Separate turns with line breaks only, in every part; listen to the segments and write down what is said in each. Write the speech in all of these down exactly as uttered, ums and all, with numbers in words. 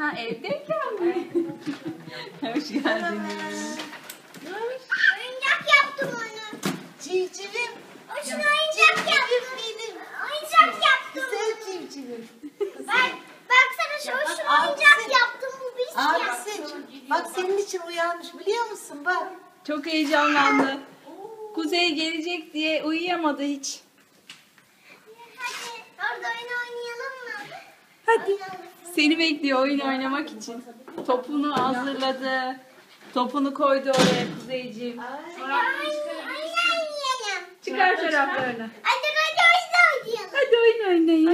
Ha evdeyken mi? Hoş geldiniz.
Oyuncak yaptım onu.
Civcivim.
O şunu oyuncak yaptım.
Benim.
Oyuncak yaptım.
Güzel civcivim.
Bak, baksana şu
bak,
şunu oyuncak
abisi-
yaptım. Bu bir şey.
Abisi. Bak senin için uyanmış biliyor musun bak.
Çok heyecanlandı. Kuzey gelecek diye uyuyamadı hiç.
Hadi orada oyun oynayalım mı?
Hadi.
Oynayalım.
Seni bekliyor oyun oynamak için. Topunu hazırladı. Topunu koydu oraya Kuzeyciğim.
Ay.
Oynayalım.
Çıkar çoraplarını.
Hadi hadi oyun oynayalım.
Hadi oyun oynayın.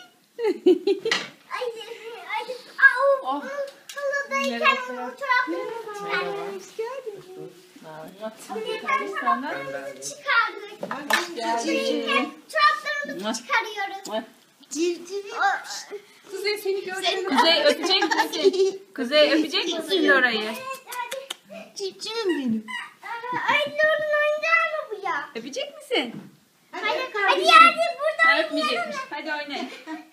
Hadi hadi. Aa, o
Oh.
halıdayken o çoraplarımızı çıkardık.
Hoş geldin.
Çoraplarımızı çıkardık.
Geldin.
Çoraplarımızı çıkarıyoruz.
Civcivim.
Kuzey seni gördüm. Kuzey öpecek misin? Kuzey öpecek misin orayı?
Civcivim benim.
Ay Nur'un oyuncağı mı bu ya?
Öpecek misin?
Hadi,
Hadi
hadi
kardeşim.
yerde burada
Ha,
oynayalım.
öpmeyecekmiş. Hadi oynayın.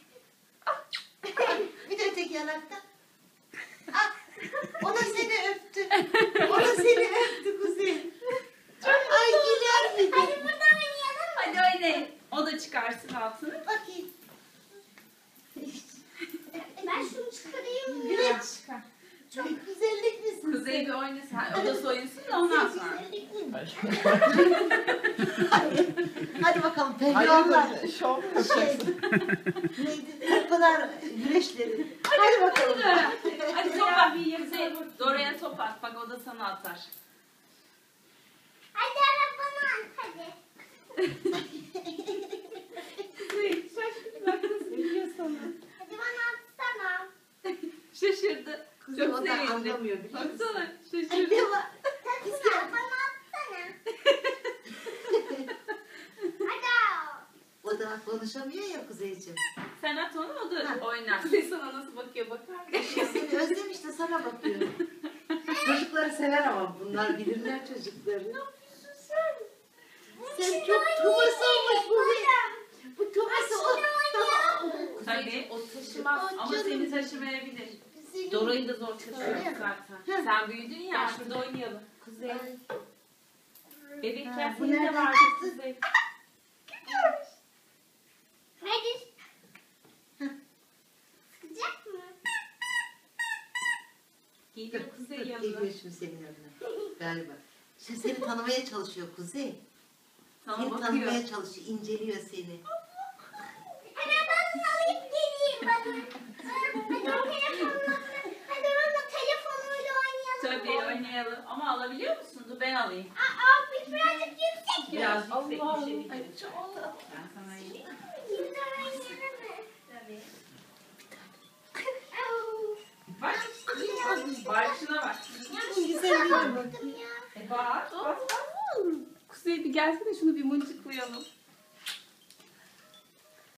Bir de öteki yanakta. Ah, o da seni öptü. O da seni öptü Kuzey. Ay güler bir
Hadi
de.
burada oynayalım.
Hadi oynayın. O da çıkarsın altını.
Bakayım.
Ben şunu çıkarayım mı?
Güneş.
Çıkar.
Çok güzellik misin?
Kuzey bir oynasın. Ha, o da soyunsun da ondan sonra.
Güzellik mi? Hadi bakalım pehlivanlar.
Şov
Şey, neydi? O kadar güreşleri. Hadi bakalım.
Hadi top at. Kuzey, Dora'ya top at. Bak o da sana atar.
Hadi arabana al hadi.
Kuzey şaşkın bak nasıl biliyor sana.
Hadi bana atsana.
Şaşırdı.
Kuzey
Çok
o da
sevindi.
anlamıyor biliyor musun?
Baksana şaşırdı.
Ne var?
Tatlına bana atsana. Hadi.
O da konuşamıyor ya Kuzeyciğim.
Sen at onu o da
Ha.
oynar. Kuzey sana nasıl bakıyor bakar mısın?
Seni özlemiş de sana bakıyor. Çocukları sever ama bunlar bilirler çocukları. Sen çok Thomas olmuş bu bir. Bu Thomas olmuş.
Tabii o taşımaz ama
Canım.
seni taşımayabilir.
Senin-
Dora'yı da zor taşıyoruz zaten. Sen büyüdün ya şurada oynayalım. Kuzey. Bebekken
Ha, bu
senin de
nereden
vardı
çıktı?
Kuzey.
Hadi. Sıkacak mı?
Geliyor Kuzey yanına.
Geliyor şimdi senin yanına. Galiba. Şimdi seni tanımaya çalışıyor Kuzey.
Sana
Seni
bakıyor.
tanımaya çalışıyor, inceliyor seni.
Hemen ben alayım geleyim bana. Hadi o telefonla. Hadi onunla telefonuyla oynayalım.
Tabii oynayalım. Ama alabiliyor musun? Dur ben alayım.
Aa, bir birazcık yüksek.
Biraz yüksek bir şey
Allah.
diyeceğim. Ben sana vereyim.
Şimdi oynayalım mı?
Tabii.
Au.
Bak. Bak şuna bak.
Güzelliğine bak.
Baktım ya.
E bak. Bak. Kuzey bir gelsene şunu bir mıncıklayalım.